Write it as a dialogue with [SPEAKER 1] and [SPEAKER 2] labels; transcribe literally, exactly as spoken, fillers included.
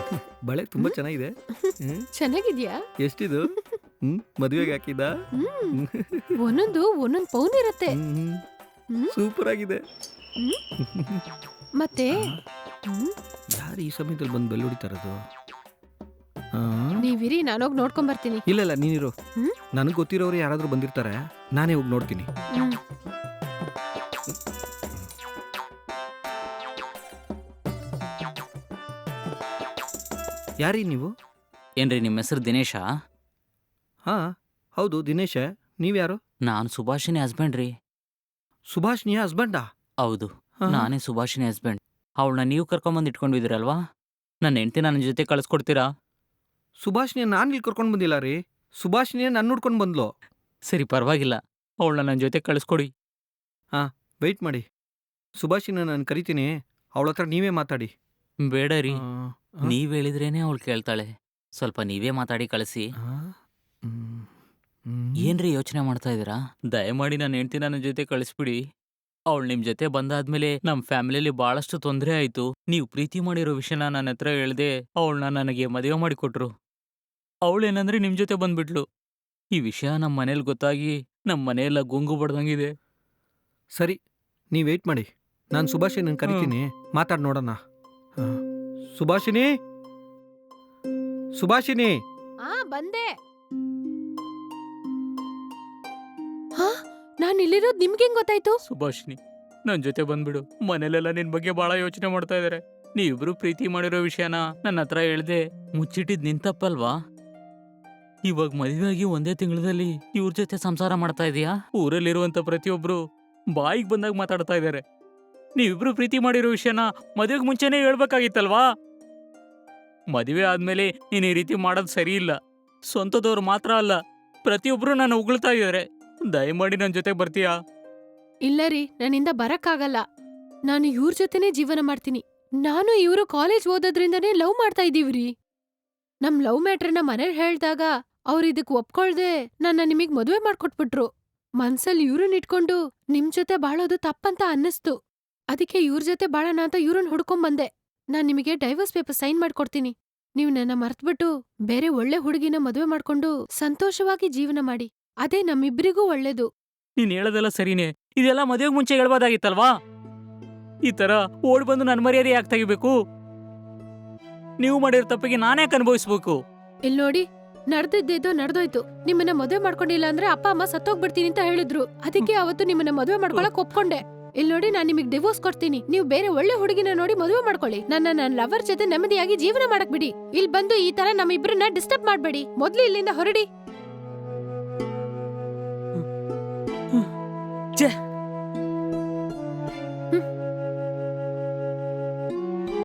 [SPEAKER 1] ಬಳೆ ತುಂಬಾ ಚೆನ್ನಾಗಿದೆ. ಹ್ಮ್.
[SPEAKER 2] ಚೆನ್ನಾಗಿದ್ಯಾ?
[SPEAKER 1] ಎಷ್ಟಿದು? ಹ್ಮ್ ಮದುವೆಗೆ ಹಾಕಿದ?
[SPEAKER 2] ಹ್ಮ್ ಒಂದೊಂದು ಒಂದೊಂದ್ ಪೌನ್ ಇರತ್ತೆ. ಹ್ಮ್
[SPEAKER 1] ಸೂಪರ್ ಆಗಿದೆ.
[SPEAKER 2] ಹ್ಮ್ ಮತ್ತೆ ಹ್ಮ್
[SPEAKER 1] ಯಾರು ಈ ಸಮಯದಲ್ಲಿ ಬಂದು ಬೆಲ್ ಹೊಡಿತಾರದು? ಆ?
[SPEAKER 2] ನೀವಿರಿ, ನಾನೋಗಿ ನೋಡ್ಕೊಂಡ್ ಬರ್ತೀನಿ.
[SPEAKER 1] ಇಲ್ಲ ಇಲ್ಲ ನೀನಿರು.
[SPEAKER 2] ಹ್ಮ್
[SPEAKER 1] ನನಗೆ ಗೊತ್ತಿರೋರು ಯಾರಾದ್ರೂ ಬಂದಿರ್ತಾರೆ, ನಾನೇ ಹೋಗಿ ನೋಡ್ತೀನಿ.
[SPEAKER 2] ಹ್ಮ್
[SPEAKER 1] ಯಾರೀ ನೀವು?
[SPEAKER 3] ಏನ್ರಿ ನಿಮ್ಮ ಹೆಸರು ದಿನೇಶಾ?
[SPEAKER 1] ಹಾ ಹೌದು ದಿನೇಶ. ನೀವ್ಯಾರು?
[SPEAKER 3] ನಾನು ಸುಭಾಷಿನಿ ಹಸ್ಬೆಂಡ್ ರೀ.
[SPEAKER 1] ಸುಭಾಷ್ನಿಯ ಹಸ್ಬೆಂಡಾ?
[SPEAKER 3] ಹೌದು,
[SPEAKER 1] ಹಾ.
[SPEAKER 3] ನಾನೇ ಸುಭಾಷಿನಿ ಹಸ್ಬೆಂಡ್. ಅವಳನ್ನ ನೀವು ಕರ್ಕೊಂಬಂದು ಇಟ್ಕೊಂಡಿದ್ದೀರಲ್ವಾ? ನನ್ನ ಹೆಂಡ್ತಿ ನನ್ನ ಜೊತೆ ಕಳಿಸ್ಕೊಡ್ತೀರಾ?
[SPEAKER 1] ಸುಭಾಷ್ನಿಯ ನಾನು ಇಲ್ಲಿ ಕರ್ಕೊಂಡು ಬಂದಿಲ್ಲ ರೀ. ಸುಭಾಷ್ನಿಯ ನನ್ನ ನೋಡ್ಕೊಂಡು ಬಂದ್ಲು.
[SPEAKER 3] ಸರಿ, ಪರವಾಗಿಲ್ಲ, ಅವಳನ್ನ ನನ್ನ ಜೊತೆ ಕಳಿಸ್ಕೊಡಿ.
[SPEAKER 1] ಹಾ ವೆಯ್ಟ್ ಮಾಡಿ. ಸುಭಾಷಿನ ನಾನು ಕರಿತೀನಿ, ಅವಳ ಹತ್ರ ನೀವೇ ಮಾತಾಡಿ.
[SPEAKER 3] ಬೇಡ ರೀ,
[SPEAKER 1] ಆ, ಆ,
[SPEAKER 3] ನೀವ್ ಹೇಳಿದ್ರೇನೆ ಅವಳು ಕೇಳ್ತಾಳೆ. ಸ್ವಲ್ಪ ನೀವೇ ಮಾತಾಡಿ ಕಳಿಸಿ.
[SPEAKER 1] ಆ, ಹ್ಮ್, ಹ್ಮ್.
[SPEAKER 3] ಏನ್ರಿ ಯೋಚನೆ ಮಾಡ್ತಾ ಇದ್ದೀರಾ? ದಯಮಾಡಿ ನನ್ನ ಹೆಂಡ್ತಿ ನನ್ನ ಜೊತೆ ಕಳಿಸ್ಬಿಡಿ. ಅವಳು ನಿಮ್ ಜೊತೆ ಬಂದಾದ್ಮೇಲೆ ನಮ್ಮ ಫ್ಯಾಮಿಲಿಯಲ್ಲಿ ಬಹಳಷ್ಟು ತೊಂದರೆ ಆಯ್ತು. ನೀವು ಪ್ರೀತಿ ಮಾಡಿರೋ ವಿಷಯನ ನನ್ನ ಹತ್ರ ಹೇಳ್ದೆ ಅವಳನ್ನ ನನಗೆ ಮದುವೆ ಮಾಡಿಕೊಟ್ರು. ಅವಳೇನಂದ್ರೆ ನಿಮ್ ಜೊತೆ ಬಂದ್ಬಿಟ್ಲು. ಈ ವಿಷಯ ನಮ್ಮ ಮನೇಲಿ ಗೊತ್ತಾಗಿ ನಮ್ಮ ಮನೆಯೆಲ್ಲ ಗುಂಗು ಬಡ್ದಂಗಿದೆ.
[SPEAKER 1] ಸರಿ, ನೀವು ವೆಯ್ಟ್ ಮಾಡಿ. ನಾನು ಸುಭಾಷಿನ ಕರಿತೀನಿ, ಮಾತಾಡಿ ನೋಡೋಣ. ಆ, ಸುಭಾಷಿನಿ, ಸುಭಾಷಿನಿ.
[SPEAKER 2] ಆ ಬಂದೆ. ಹಾ ನಾನ್ ಇಲ್ಲಿರೋದ್ ನಿಮ್ಗೇನ್ ಗೊತ್ತಾಯ್ತು?
[SPEAKER 3] ಸುಭಾಷಿನಿ, ನನ್ನ ಜೊತೆ ಬಂದ್ಬಿಡು. ಮನೇಲೆಲ್ಲ ನಿನ್ ಬಗ್ಗೆ ಬಹಳ ಯೋಚನೆ ಮಾಡ್ತಾ ಇದಾರೆ. ನೀವಿಬ್ರು ಪ್ರೀತಿ ಮಾಡಿರೋ ವಿಷಯನ ನನ್ನ ಹತ್ರ ಹೇಳ್ದೆ ಮುಚ್ಚಿಟ್ಟಿದ್ ನಿನ್ ತಪ್ಪಲ್ವಾ? ಇವಾಗ ಮದುವೆ ಆಗಿ ಒಂದೇ ತಿಂಗಳಲ್ಲಿ ಇವ್ರ ಜೊತೆ ಸಂಸಾರ ಮಾಡ್ತಾ ಇದೀಯಾ? ಊರಲ್ಲಿರುವಂತ ಪ್ರತಿಯೊಬ್ರು ಬಾಯಿಗೆ ಬಂದಾಗ ಮಾತಾಡ್ತಾ ಇದಾರೆ. ನೀವಿಬ್ರು ಪ್ರೀತಿ ಮಾಡಿರೋ ವಿಷಯನ ಮದುವೆಗೆ ಮುಂಚೆನೇ ಹೇಳ್ಬೇಕಾಗಿತ್ತಲ್ವಾ? ಮದುವೆ ಆದ್ಮೇಲೆ ನೀನ್ ಈ ರೀತಿ ಮಾಡೋದು ಸರಿ ಇಲ್ಲ. ಸ್ವಂತದವ್ರು ಮಾತ್ರ ಅಲ್ಲ, ಪ್ರತಿಯೊಬ್ರು ನನ್ನ ಉಗುಳ್ತಾ ಇದಾರೆ. ದಯಮಾಡಿ ನನ್ನ ಜೊತೆ ಬರ್ತೀಯಾ?
[SPEAKER 2] ಇಲ್ಲ ರೀ, ನನ್ನಿಂದ ಬರಕ್ಕಾಗಲ್ಲ. ನಾನು ಇವ್ರ ಜೊತೆನೇ ಜೀವನ ಮಾಡ್ತೀನಿ. ನಾನು ಇವ್ರು ಕಾಲೇಜ್ ಓದೋದ್ರಿಂದನೇ ಲವ್ ಮಾಡ್ತಾ ಇದೀವ್ರಿ. ನಮ್ ಲವ್ ಮ್ಯಾಟ್ರನ್ನ ಮನೇಲಿ ಹೇಳ್ದಾಗ ಅವ್ರು ಇದಕ್ ಒಪ್ಕೊಳ್ದೆ ನನ್ನ ನಿಮಗ್ ಮದುವೆ ಮಾಡ್ಕೊಟ್ಬಿಟ್ರು. ಮನ್ಸಲ್ಲಿ ಇವ್ರನ್ನ ಇಟ್ಕೊಂಡು ನಿಮ್ ಜೊತೆ ಬಾಳೋದು ತಪ್ಪಂತ ಅನ್ನಿಸ್ತು. ಅದಕ್ಕೆ ಇವ್ರ ಜೊತೆ ಬಾಳಣ ಅಂತ ಇವ್ರನ್ನ ಹುಡ್ಕೊಂಬಂದೆ. ನಾನ್ ನಿಮಗೆ ಡೈವರ್ಸ್ ಪೇಪರ್ ಸೈನ್ ಮಾಡ್ಕೊಡ್ತೀನಿ. ನೀವ್ ನನ್ನ ಮರ್ತ್ಬಿಟ್ಟು ಬೇರೆ ಒಳ್ಳೆ ಹುಡುಗಿನ ಮದುವೆ ಮಾಡ್ಕೊಂಡು ಸಂತೋಷವಾಗಿ ಜೀವನ ಮಾಡಿ. ಅದೇ ನಮ್ಮಿಬ್ರಿಗೂ ಒಳ್ಳೇದು.
[SPEAKER 3] ನೀನ್ ಹೇಳೋದೆಲ್ಲ ಸರಿನೇ. ಇದೆಲ್ಲ ಮದುವೆಗೆ ಮುಂಚೆ ಹೇಳ್ಬೋದಾಗಿತ್ತಲ್ವಾ? ಈ ತರ ಓಡ್ ಬಂದು ನನ್ನ ಮರ್ಯಾದೆ ಯಾಕೆ ತೆಗಿಬೇಕು? ನೀವು ಮಾಡಿರೋ ತಪ್ಪಿಗೆ ನಾನ್ಯಾಕೆ ಅನುಭವಿಸ್ಬೇಕು?
[SPEAKER 2] ಇಲ್ ನೋಡಿ, ನಡ್ದಿದ್ದೇದೋ ನಡ್ದೋಯ್ತು. ನಿಮ್ಮನ್ನ ಮದುವೆ ಮಾಡ್ಕೊಂಡಿಲ್ಲ ಅಂದ್ರೆ ಅಪ್ಪ ಅಮ್ಮ ಸತ್ತೋಗ್ಬಿಡ್ತೀನಿ ಅಂತ ಹೇಳಿದ್ರು. ಅದಕ್ಕೆ ಅವತ್ತು ನಿಮ್ಮನ್ನ ಮದುವೆ ಮಾಡ್ಕೊಳಕ್ ಒಪ್ಕೊಂಡೆ. ಇಲ್ ನೋಡಿ, ನಾನ್ ನಿಮಗ್ ಡಿವೋರ್ಸ್ ಕೊಡ್ತೀನಿ. ನೀವು ಬೇರೆ ಒಳ್ಳೆ ಹುಡುಗಿನ ನೋಡಿ ಮದುವೆ ಮಾಡ್ಕೊಳ್ಳಿ. ನನ್ನ ನನ್ ಲವರ್ ಜೊತೆ ನೆಮ್ಮದಿಯಾಗಿ ಜೀವನ ಮಾಡಕ್ ಬಿಡಿ. ಇಲ್ ಬಂದು ಈ ತರ ನಮ್ಮ ಇಬ್ರನ್ನ ಡಿಸ್ಟರ್ಬ್ ಮಾಡ್ಬೇಡಿ. ಮೊದ್ಲು ಇಲ್ಲಿಂದ ಹೊರಡಿ.
[SPEAKER 3] ಛೇ,